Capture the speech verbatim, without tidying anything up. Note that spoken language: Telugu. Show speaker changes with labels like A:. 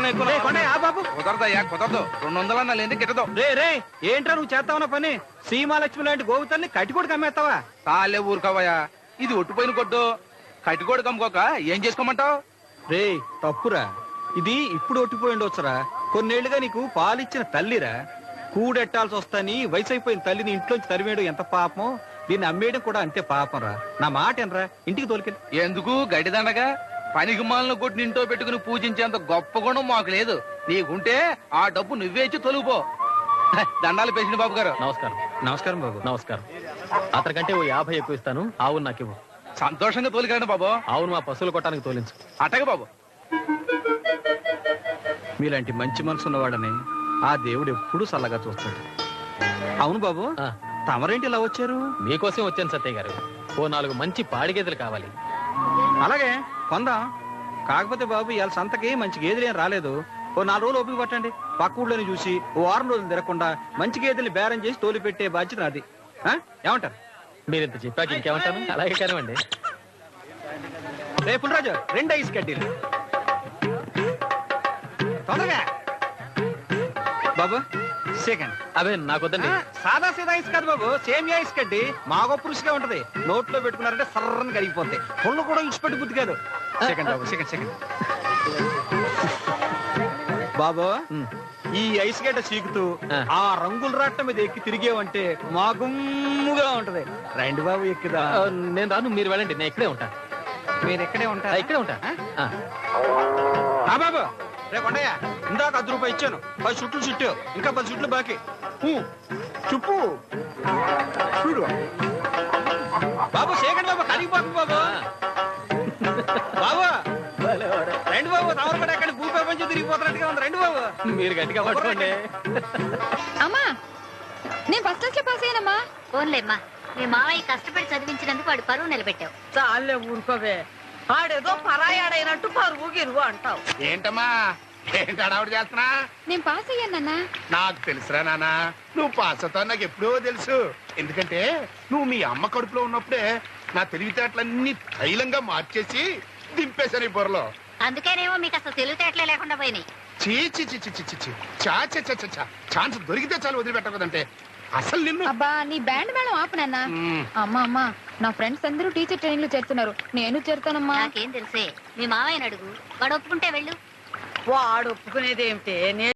A: అంతకన్నా ఎక్కువ బాబు
B: కుదరదయ్యా కుదరదు. రెండు వందలన్నా లేని గిట్టదు.
A: రే రే ఏంట్రా నువ్వు చేస్తావున్న పని? సీమాలక్ష్మి లాంటి గోవుతల్ని కట్టికోడికి అమ్మేస్తావా?
B: తాలే ఊరుకోవయ్యా, ఇది ఒట్టిపోయిన కొట్టు. కట్టికోడి కమ్ముకోక ఏం చేసుకోమంటావు?
A: రే తప్పురా, ఇది ఇప్పుడు ఒట్టిపోయి ఉండొచ్చురా. కొన్నేళ్లుగా నీకు పాలిచ్చిన తల్లిరా. కూడెట్టాల్సి వస్తాని వయసు అయిపోయిన తల్లిని ఇంట్లోంచి తరివేయడం ఎంత పాపం, దీన్ని అమ్మేయడం కూడా అంతే పాపం రా. నా మాట ఎనరా, ఇంటికి తోలికెళ్ళి.
B: ఎందుకు గడిదండగా? పనికి మాలను కొట్టి ఇంట్లో పెట్టుకుని పూజించేంత గొప్ప గుణం మాకు లేదు. నీకుంటే ఆ డబ్బు నువ్వే ఇచ్చి తొలుగుపో. దండాలు పేసిన బాబు గారు.
C: నమస్కారం.
A: నమస్కారం బాబు.
C: నమస్కారం. అతనికంటే ఓ యాభై ఎక్కువ ఇస్తాను. ఆవును నాకు ఇవ్వు.
B: సంతోషంగా తోలికండి బాబు.
C: ఆవును మా పశువులు కొట్టడానికి తోలించు.
B: అటగ బాబు.
A: మీలాంటి మంచి మనసు ఉన్నవాడని ఆ దేవుడు ఎప్పుడూ చల్లగా చూస్తాడు. అవును బాబు, తమరేంటి ఇలా వచ్చారు?
C: మీకోసం వచ్చాను సత్య గారు. ఓ నాలుగు మంచి పాడి గేదెలు కావాలి.
A: అలాగే కొందాం. కాకపోతే బాబు ఇవాళ సంతకి మంచి గేదెలు ఏం రాలేదు. ఓ నాలుగు రోజులు ఓపిక పట్టండి. పక్క ఊళ్ళోని చూసి ఓ వారం రోజులు తిరగకుండా మంచి గేదెల్ని బేరం చేసి తోలి పెట్టే బాధ్యత నాది. ఏమంటారు?
C: మీరు ఇంత చెప్పాక ఇంకేమంటాను. అలాగే కానివ్వండి.
A: రేపు రాజు రెండు ఐస్ కడ్డీలు తొందరగా బాబు. సెకండ్
C: అవే నాకు వద్దండి.
A: సాదా సీదా ఐస్ కాదు బాబు, సేమియా ఐస్ కడ్డి మాగో పురుషుగా ఉంటది. నోట్లో పెట్టుకున్నారంటే సర్రని కరిగిపోతాయి. పుళ్ళు కూడా ఇచ్చిపెట్టి బుద్ధి కాదు. సెకండ్ బాబు, సెకండ్ సెకండ్ బాబు. ఈ ఐస్ గడ్డ చీకుతూ ఆ రంగుల రాట్ల మీద ఎక్కి తిరిగేవంటే మా గుమ్ముగా ఉంటది. రండి బాబు ఎక్కుదా.
C: నేను రాను, మీరు వెళ్ళండి. నేను ఇక్కడే ఉంటా.
A: మీరు ఎక్కడే ఉంటారా?
C: ఇక్కడే ఉంటా.
A: బాబు రేపు ఉండయా, ఇందాక అర్ధ రూపాయి ఇచ్చాను. పది చుట్లు చుట్టు, ఇంకా పది చుట్లు బాకీ. చుప్పు చూడు బాబు. సేకండి బాబు, కరిగిపోతుంది బాబు. బాబు రెండు బాబు, తమరు కూడా ఎక్కడ భూ ప్రపంచం తిరిగిపోతున్నట్టుగా ఉంది. రెండు బాబు,
C: మీరు గట్టిగా పట్టుకోండి.
D: అమ్మా నేను ఫస్ట్ క్లాస్ లో పాస్ అయ్యానమ్మా.
E: ఫోన్లేమ్మా, మీ మావయ్య కష్టపడి చదివించినందుకు వాడు పరువు నిలబెట్టావు.
F: చాలే ఊరుకోవే. ఆడేదో పరాయాడైనట్టు పరువు గిరువు అంటావు.
G: ఏంటమ్మా, ఏంటి అడావుడు చేస్తున్నా?
D: నేను పాస్ అయ్యాను నాన్న.
G: నాకు తెలుసురా నాన్న, నువ్వు పాస్ అవుతావు నాకు ఎప్పుడో తెలుసు. ఎందుకంటే నువ్వు మీ అమ్మ కడుపులో ఉన్నప్పుడే నా తెలివితేటలన్నీ తైలంగా మార్చేసి దింపేశాను ఈ బుర్రలో.
E: అందుకేనేమో మీకు అసలు తెలివితేటలే లేకుండా పోయినాయి.
G: చీ చీ చీ చీ చీ చీ చా చా చా చా చా ఛాన్స్ దొరికితే చాలు వదిలిపెట్టకూడదంటే అసలు నిన్ను.
D: అబ్బా నీ బ్యాండ్ మేళం ఆపు నాన్న. అమ్మా అమ్మా నా ఫ్రెండ్స్ అందరూ టీచర్ ట్రైనింగ్ లో చేరుతున్నారు, నేను చేరుతానమ్మా.
E: నాకేం తెలుసే, మీ మావయ్యని అడుగు, వాడు ఒప్పుకుంటే వెళ్ళు.
F: వాడు ఒప్పుకునేది ఏమిటి?